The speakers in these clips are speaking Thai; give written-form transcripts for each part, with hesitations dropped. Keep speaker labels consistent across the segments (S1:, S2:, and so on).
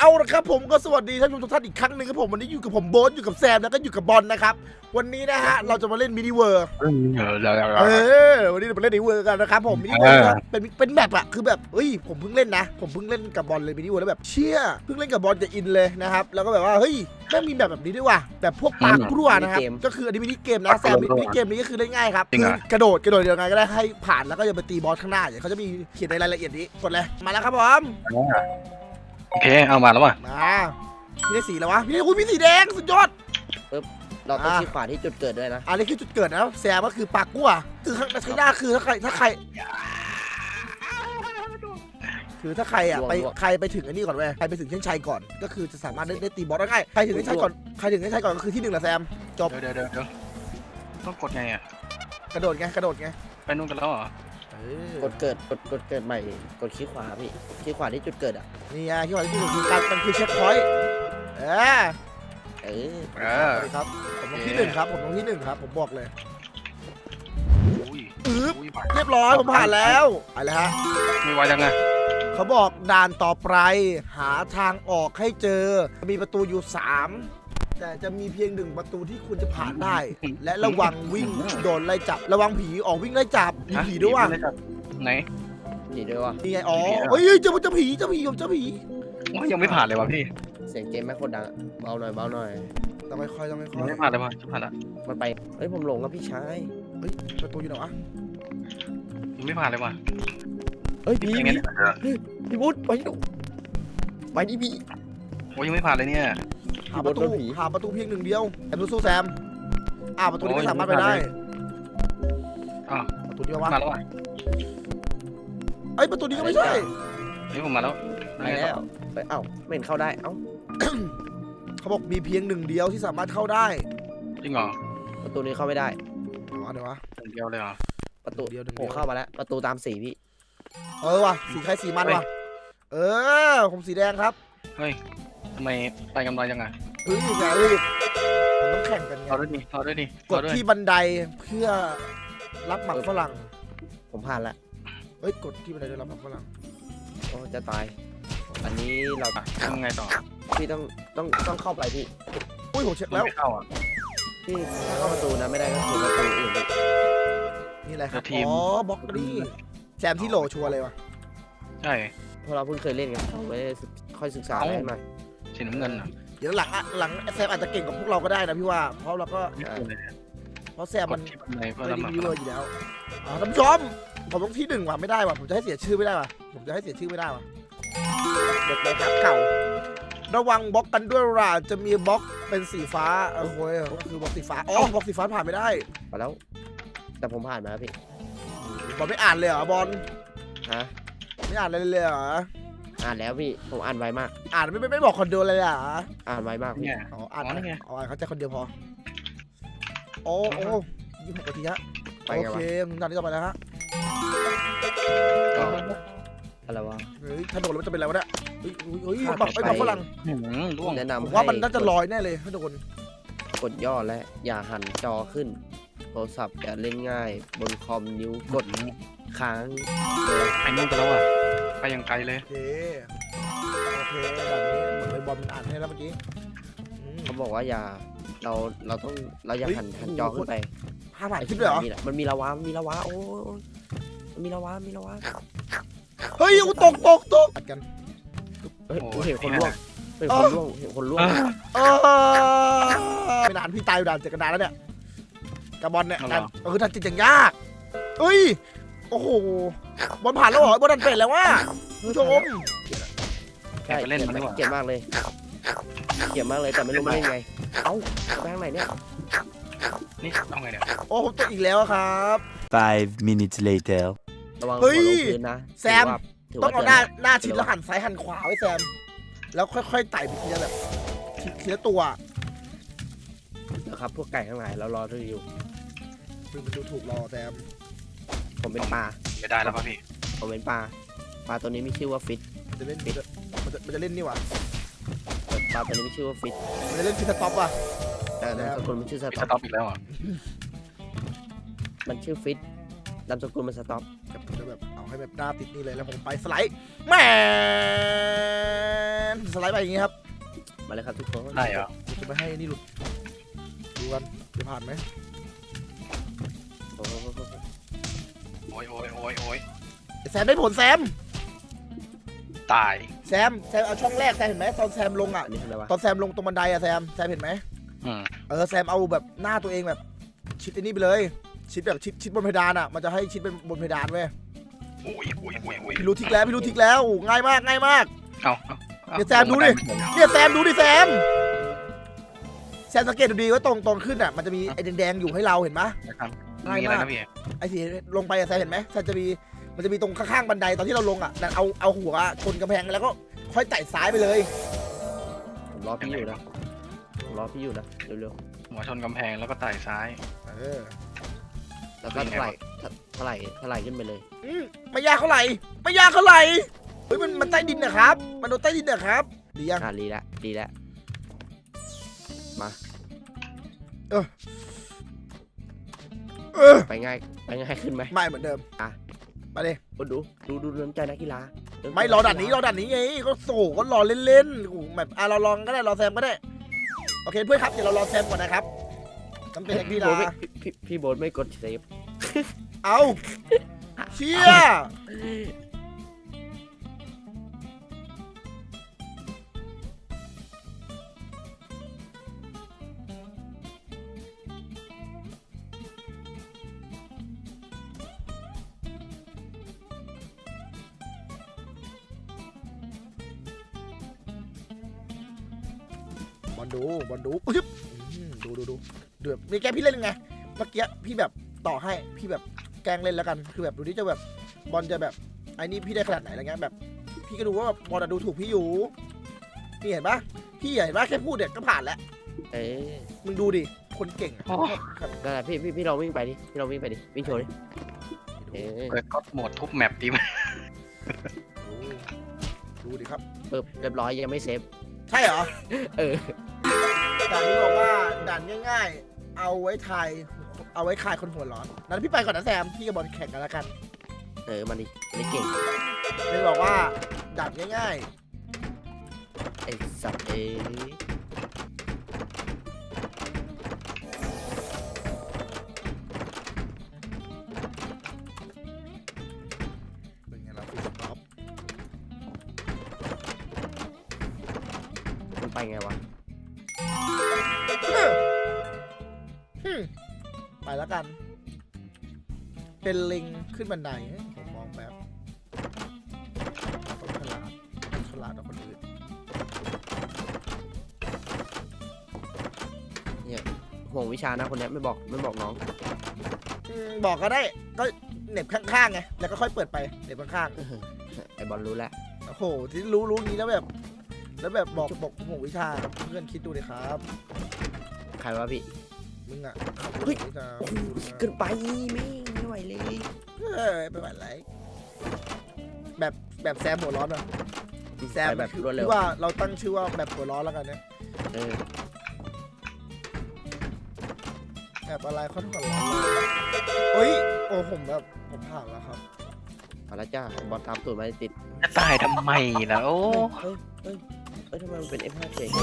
S1: เอาละครับผมก็สวัสดีท่านผู้ชมทุกท่านอีกครั้งหนึ่งครับผมวันนี้อยู่กับผมโบ๊ทอยู่กับแซมแล้วก็อยู่กับบอลนะครับวันนี้นะฮะเราจะมาเล่นมินิเวิร์วันนี้เราไปเล่นมินิเวิร์กันนะครับผมมินิเวิร์เป็นแมปอะคือแบบเฮ้ยผมเพิ่งเล่นนะผมเพิ่งเล่นกับบอลเลยมินิเวิร์แล้วแบบเชี่ยเพิ่งเล่นกับบอลจะอินเลยนะครับแล้วก็แบบว่าเฮ้ยแม่งมีแบบนี้ด้วยว่ะแบบพวกปลากลัวนะครับก็คืออันนี้มินิเกมนะแซมมินิเกมนี้ก็คือเล่นง่ายครับคือกระโดดยังไงก็ได้ให้ผ่านแล้วก็อย่าไปตีบอสข้างหน้าอย่างเขาจะมีเขียนในรายละเอียดนี้กดเลยมาแล้วครับผม
S2: โอเคเอามาแล้วว่ะ
S1: มาพี่ได้สีแล้ววะพี่ได้มีสีแดงสุดยอด
S3: ปึ๊บเราต้องชี้ขวาที่จุดเกิดด้วยนะ
S1: อันนี้คือจุดเกิดนะแซมก็คือปากกั้วคือข้างในหน้าคือถ้าใครคือถ้าใครอ่ะไปถึงอันนี้ก่อนเว้ยใครไปถึงเส้นชัยก่อนก็คือจะสามารถได้ตีบอสได้ง่ายใครถึงเส้นชัยก่อนก็คือที่หนึ่งแหละแซมจบ
S2: เดี๋ยวต้องกดไงอ่ะ
S1: กระโดดไง
S2: ไปนู่นกันแล้วเหรอก
S3: ดเกิดใหม่กดชี้ขวาพี่ชี้ขวาที่จุดเกิดอ่ะ
S1: นี่ไงที่ว่าที่คือการมันคือเช็คพอยต์ครับผมต้องที่หนึ่งครับผมบอกเลยเรียบร้อยผมผ่านแล้วไปเลยฮะ
S2: มีไว้ยังไง
S1: เขาบอกด่านต่อไปหาทางออกให้เจอมีประตูอยู่3แต่จะมีเพียง1ประตูที่คุณจะผ่านได้และระวังวิ่งโดนไล่จับระวังผีออกวิ่งไล่จับมีผีด้วยว่ะ
S2: ไหน
S3: ผีด้วยว่ะ
S1: นี่ไงอ๋อเฮ้ยเจ้าผี
S2: ยังไม่ผ่านเลยว่ะพี่
S3: เสียงเกมแม่โคตรดังเบาหน่อย
S1: ต้องไม่ค่อย
S2: ไม่ผ่านเลยว่ะจะผ่านละ
S3: มันไปเฮ้ยผมหลงกับพี่ชาย
S1: เฮ้ยประตูอยู่ไหนวะ
S2: ยังไม่ผ่านเลยว่ะ
S3: เฮ้ยพี่บุ๊ดไปดิพี่
S2: โอ้ยังไม่ผ่านเลยเนี่ย
S1: หาประตูเพียง1เดียวแซมสู้แซมประตูนี้ไม่สามารถไปได้ประตูนี้ว่า
S2: มาแล้วว่ะ
S1: ไอ้ประตูนี้ก็ไม่ใช่
S2: นี่ผมมาแล้ว
S3: ไปแล้วไม่เห็นเข้าได้
S1: เขาบอกมีเพียง1เดียวที่สามารถเข้าได้
S2: จริงเหรอ
S3: ประตูนี้เข้าไม่ได้
S1: เดี๋ยววะ
S2: เดียวเลยเหรอ
S3: ประตูเดียวเข้ามาแล้วประตูตามสีพี่
S1: ว่ะสีใครสีมันว่ะผมสีแดงครับ
S2: เฮ้ยทำไมไปกำไรยังไง
S1: อย่ารีบมันต้องแข่งกันไง
S2: ต่อด้วยดิ
S1: กดที่บันไดเพื่อรับหมักฝรั่ง
S3: ผมผ่านแล้ว
S1: กดที่บันไดเพื่อรับหมักฝรั่ง
S3: โอ้จะตายอันนี้เรา
S2: ทำไงต่อ
S3: พี่ต้องเข้าไปพี่
S1: ผมเช็คแล้ว
S2: เข้าอ่ะ
S3: พี่ถ้าเข้าประตูนะไม่ได้ก็คือประตูอื่น
S1: นี่แหละครับบล็อกนี่แซมที่โหลชัวร์เลยวะ
S2: ใช่
S3: เพราะเราเพิ่งเคยเล่นกันเราไม่ได้ค่อยศึกษาอะไรหน่อย
S2: สีน้ำเงิน
S1: เดี๋ยวหลังแซมอาจจะเก่งกว่าพวกเราก็ได้นะพี่ว่าเพราะเราก็เพราะแซมมันไม่ได้ดีเลยอยู่แล้วท่านผู้ชมผมต้องที่1ว่ะไม่ได้ว่ะผมจะให้เสียชื่อไม่ได้ว่ะเด็กเลยครับเก่าระวังบล็อกกันด้วยล่ะจะมีบล็อกเป็นสีฟ้าก็คือบล็อกสีฟ้าบล็อกสีฟ้าผ่านไม่ได้
S3: มาแล้วแต่ผมผ่านมาพี่
S1: บอลไม่อ่านเลยเหรอบอลไม่อ่านเลยเหรอ
S3: อ่านแล้วพี่ผมอ่านไวมาก
S1: อ่านไม่บอกคนเดียวเลยอ่ะ
S3: อ่านไวมากพี่
S1: อ่านเขาใจคนเดียวพอ26 นาทีฮะโอเคตอนนี้ต่อไปแล้วฮะ
S3: อะไรวะ
S1: ถ้าโดนแล้วมันจะเป็นอะไรวะเนี่ยบักฝรั่ง
S3: แนะนำ
S1: ผมว่ามันน่าจะลอยแน่เลยถ้าโดน
S3: กดย่อและอย่าหันจอขึ้นโทรศัพท์อย่าเล่นง่ายบนคอมนิ้วกดค้าง
S2: ไปนู่นกันแล้วอ่ะไปยังไกลเลย
S1: โอเคแบบนี้เหมือนบอลมันอ่านให้แล้วเมื่อกี้
S3: เขาบอกว่าอย่าเราอย่าหันจอขึ้นไป
S1: ผ่านขึ้นด้วยเหรอ
S3: มันมีลาวาโอ้มันมีลาวา
S1: เฮ้ยตกกัน
S3: เห็นคนล่วง
S1: ไม่นานพี่ตายอยู่ด่าน7 กันดานแล้วเนี่ยกระบอลเนี่ยคือทันจิตอย่างยากโอ้โหบอลผ่านแล้วเหรอบอลดันเป็นแล้วว่าผู้ชม
S3: ใช่เล่นมันเก่งมากเลยแต่ไม่รู้มันเล่นไงไปทางไหนเนี่ย
S2: นี่เอาไงเนี่ย
S1: ผมตกอีกแล้วครับ
S4: 5 minutes later
S1: เฮ้ยแซมต้องเอาหน้าชิดแล้วหันซ้ายหันขวาไว้แซมแล้วค่อยๆไต่ไปทีละแบบทีละตัว
S3: นะครับพวกไก่ข้างในเรารอที่อยู่
S1: มันดูถูกรอแซม
S3: ผมเป็นปลา
S2: ไม่ได้แล้วครับพี่
S3: ผมเป็นปลาตัวนี้มีชื่อว่าฟิต
S1: มันจะเล่นนี่หว่า
S3: ปลาตัวนี้มีชื่อว่าฟิต
S1: มันจะเล่นฟิตสต็อปอ่ะ
S3: แต่คนมันชื่อส
S2: ต็อปอีกแล้วอ่ะ
S3: มันชื่อฟิตนามสกุลมันสต็อป
S1: ครับผมจะแบบเอาให้แบบหน้าติดนี่เลยแล้วผมไปสไลด์แมนสไลด์ไปอย่างงี้ครับ
S3: มาเลยครับทุกคน
S2: ได้เหรอ
S1: เดี๋ยวจะไปให้นี่หลุดดูกันจะผ่านไหม
S3: โอ้โห
S2: โอ้ยโอ้ยโอ้ยโอ้ย
S1: แซมได้ผลแซม
S2: ตาย
S1: แซมเอาช่องแรกแซมเห็นไหมตอนแซมลงอ่ะ
S3: อันนี้อะไรวะ
S1: ตอนแซมลงตรงบันไดอะแซมเห็นไหม
S2: อืม
S1: แซมเอาแบบหน้าตัวเองแบบชิดไอ้นี่ไปเลยชิดแบบชิดบนเพดานอ่ะมันจะให้ชิดเป็นบนเพดานเว้ย
S2: โอ้ยโอ้ยโอ้ยโอ้ย
S1: พี่รู้ทิกแล้วง่ายมาก
S2: เอา
S1: เดี๋ยวแซมดูดิ เนี่ยแซมดูดิแซมสังเกตดูดีว่าตรงขึ้นอ่ะมันจะมีไอ้แดงๆอยู่ให้เราเห็นไหม
S2: นะครับ
S1: ง่าย
S2: มีอะไร
S1: มาก
S2: นะพี่
S1: ไอ้ที่ลงไปอะแซมเห็นไหมแซมมันจะมีตรงข้างๆบันไดตอนที่เราลงอ่ะนั่นเอาหัวชนกำแพงแล้วก็ค่อยไต่ซ้ายไปเลย
S3: ผมรอพี่อยู่นะเร็ว
S2: หัวชนกำแพงแล้วก็ไต่ซ้าย
S3: ๆแล้วก็ถลายขึ้นไปเลย
S1: ไม่ยากเท่าไหร่เฮ้ยมันใต้ดินนะครับมันโดนใต้ดินนะครับดียัง
S3: ดีแล้วมา
S1: เออ
S3: ไปง่ายขึ้นไหม
S1: ไม่เหมือนเดิม
S3: อ่ะ
S1: มาดิ
S3: ดูน้ำใจนักกีฬา
S1: ไม่รอด่านนี้ไงก็โศก็รอเล่นๆโอ้โหแบบเราลองก็ได้รอแซมก็ได้โอเคเพื่อนครับเดี๋ยวเรารอแซมก่อนนะครับจำเป็นนักกีฬา
S3: พี่โบ๊ทไม่กดเซฟ
S1: เอาเชี่ยบอลดูอึ๊บดูเดือบนี่แกพี่เล่นยังไงเมื่อกี้พี่แบบต่อให้พี่แบบแกล้งเล่นแล้วกันคือแบบดูที่จะแบบบอลจะแบบไอ้นี่พี่ได้ขนาดไหนอะไรเงี้ยแบบพี่ก็ดูว่าบอลดูถูกพี่อยู่นี่เห็นปะพี่เห็นปะแค่พูดเนี่ยก็ผ่านแล้ว
S3: เอ๊ะ
S1: มึงดูดิคนเก่งอะ
S3: นั่นแหละพี่ลองวิ่งไปดิวิ่งโชว์ดิเอ๊ะ
S2: เปิดก็โหมดทุบแมปดีไหม
S1: ดูดิครับ
S3: ปึ๊บเรียบร้อยยังไม่เซฟ
S1: ใช่เหรอ
S3: เออ
S1: ด่านนี้บอกว่าด่านง่ายๆ เอาไว้คลายคนหัวร้อนนั้นพี่ไปก่อนนะแซมพี่กับบอลแข่งกันแล้วกัน
S3: มันดิเก่ง
S1: เลยบอกว่าด่านง่าย
S3: ไอ้สัตว์เอ๊ะ
S1: ๆเป็นไงล่ะฟิสต็อป
S3: มันไปไงวะ
S1: ไปแล้วกัน เป็นลิงขึ้นบันไดผมมองแบบต้องฉลาดกว่าคนอื่น
S3: ห่วงวิชานะคนเนี้ยไม่บอกน้อง
S1: บอกก็ได้ก็เหน็บข้างๆไงแล้วก็ค่อยเปิดไปเหน็บข้าง
S3: ไอ้บอลรู้แล้ว
S1: ๆโอ้โหที่รู้งี้แล้วแบบบอกโหวิชาเพื่อนคิดดูดิครับ
S3: ใครวะพี่
S1: มึงอ่ะ
S3: เฮ้ย
S1: วิชา
S3: เกินไปไม่ไหวเลย
S1: ไม่ไหวไรแบบแซมหัวร้อนอ่ะแซม
S3: ไปแบบรวดเร็ว
S1: ที่ว่าเราตั้งชื่อว่าแบบหัวร้อนแล้วกันเนี่ย
S3: เออ
S1: แบบอะไรเขาหัวร้อนเลยเฮ้ยโอ้ผมผ่านแล้วครับ
S3: เอาละจ้าบอลตามตูดมาติด
S2: จะตายทำไมล่ะโอ้
S3: เฮ้ยทำไมมันเป็น F5 เฉย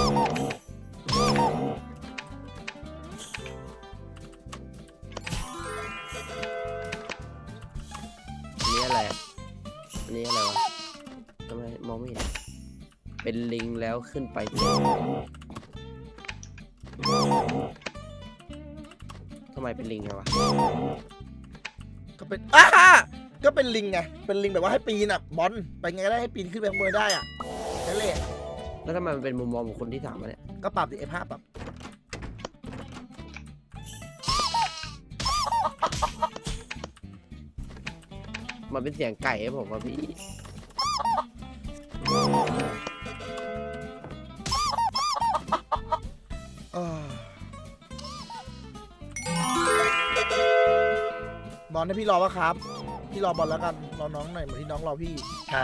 S3: อันนี้อะไรวะทำไมมองไม่เห็นเป็นลิงแล้วขึ้นไปทำไมเป็นลิงไงวะ
S1: ก็เป็นลิงไงเป็นลิงแบบว่าให้ปีนอ่ะบอลไปไงก็ได้ให้ปีนขึ้นไปข้างบนได้อ่ะนั่นแหละ
S3: แล้วทำไมมันเป็นมุมมองของคนที่ถามมาเนี่ย
S1: ก็ปรับดิF5ปรับ
S3: มันเป็นเสียงไก่ให้ผมว่าพี่
S1: บอลให้พี่รอวะครับพี่รอบอลแล้วกันรอน้องหน่อยเหมือนที่น้องรอพี่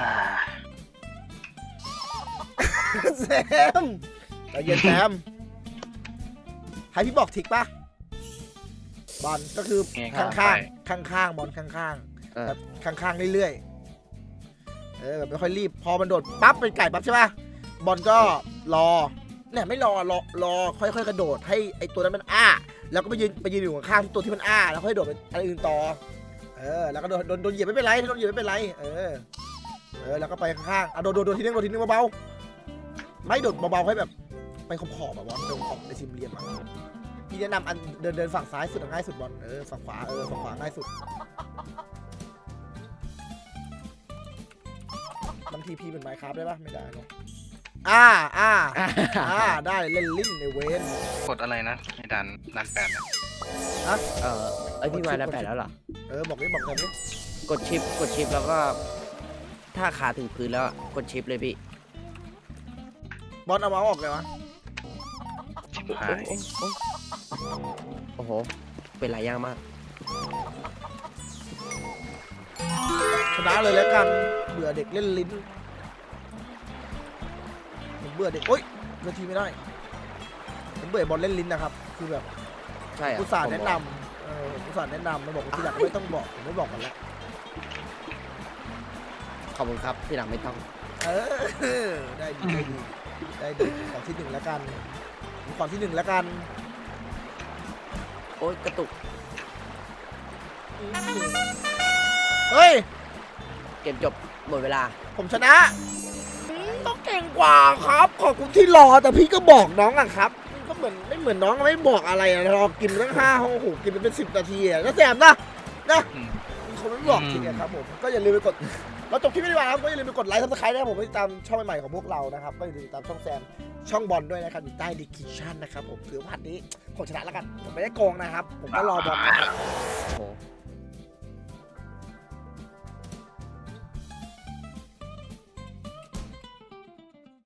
S1: แซมใจเย็นแซมให้พี่บอกทิกปะบอลก็คือ
S2: แง่
S1: ข้าง
S2: เข้า
S1: ข้าง
S2: ไป
S1: ข้างๆบอลข้างๆ
S3: อ่า
S1: แบบข้างๆเรื่อยๆแบบไม่ค่อยรีบพอมันโดดปั๊บเป็นไก่ปั๊บใช่ป่ะบอลก็รอเนี่ยไม่รอค่อยๆกระโดดให้ไอตัวนั้นมันอ้าแล้วก็ไปยืนอยู่ข้างๆตัวที่มันอ้าแล้วค่อยโดดไปอะไรอื่นต่อแล้วก็โดนเหยียบไม่เป็นไรโดนเหยียบไม่เป็นไรแล้วก็ไปข้างๆโดนทีนึงเบาๆไม่โดดเบาๆให้แบบไปขอบแบบบอลตรงขอบในซิมเรียมพี่แนะนำอันเดินฝั่งซ้ายสุดง่ายสุดบอลฝั่งขวาฝั่งขวาง่ายสุดบางทีพี่เป็นไมค์คราฟได้ปะไม่ได้เนาะได้เล่นลิ้นในเวน
S2: กดอะไรนะในด่าน8เนี่ย
S3: พี่มาแล้ว8แล้วเหรอ
S1: บอกกันดิ
S3: กดชิปแล้วก็ ถ้าขาถึงพื้นแล้วกดชิปเลยพี่
S1: บอลเอามาออกเลยวะ
S2: ชิบหาย
S3: โอ้โหเป็นหลายอย่างมาก
S1: ชนะเลยแล้วกันเบื่อเด็กเล่นลิ้นผมเบื่อเด็กโอ๊ยเล่นทีไม่ได้ผมเบื่อบอลเล่นลิ้นนะครับคือแบบ
S3: ใช่อะ
S1: อุตส่าห์แนะนำอุตส่าห์แนะนำมาบอกว่าที่หลังไม่ต้องบอกผมไม่บอกกันแล้ว
S3: ขอบคุณครับที่หลังไม่ต้อง
S1: ได้ดีขอที่1แล้วกันขอที่1แล้วกัน
S3: โอ๊ยกระตุก
S1: เฮ้ย
S3: เกมจบหมดเวลา
S1: ผมชนะต้องเก่งกว่าครับขอบคุณที่รอแต่พี่ก็บอกน้องอะครับก็เหมือนไม่เหมือนน้องไม่บอกอะไรอะรอกินตั้ง5 ห้องโอ้โหกินเป็น10 นาทีอะแล้วแซมนะมีคนไม่บอกจริงครับผมก็อย่าลืมไปกดเราจบคลิปไม่ดีกว่าครับก็อย่าลืมไปกดไลค์ซับสไครต์นะครับผมไปติดตามช่องใหม่ๆของพวกเรานะครับก็อย่าลืมติดตามช่องแซมช่องบอลด้วยนะครับอยู่ใต้ดีคิชั่นนะครับผมถือว่าวันนี้ผมชนะแล้วกันผมไม่ได้โกงนะครับผมก็รอบอลนะครับ
S3: โอ้โห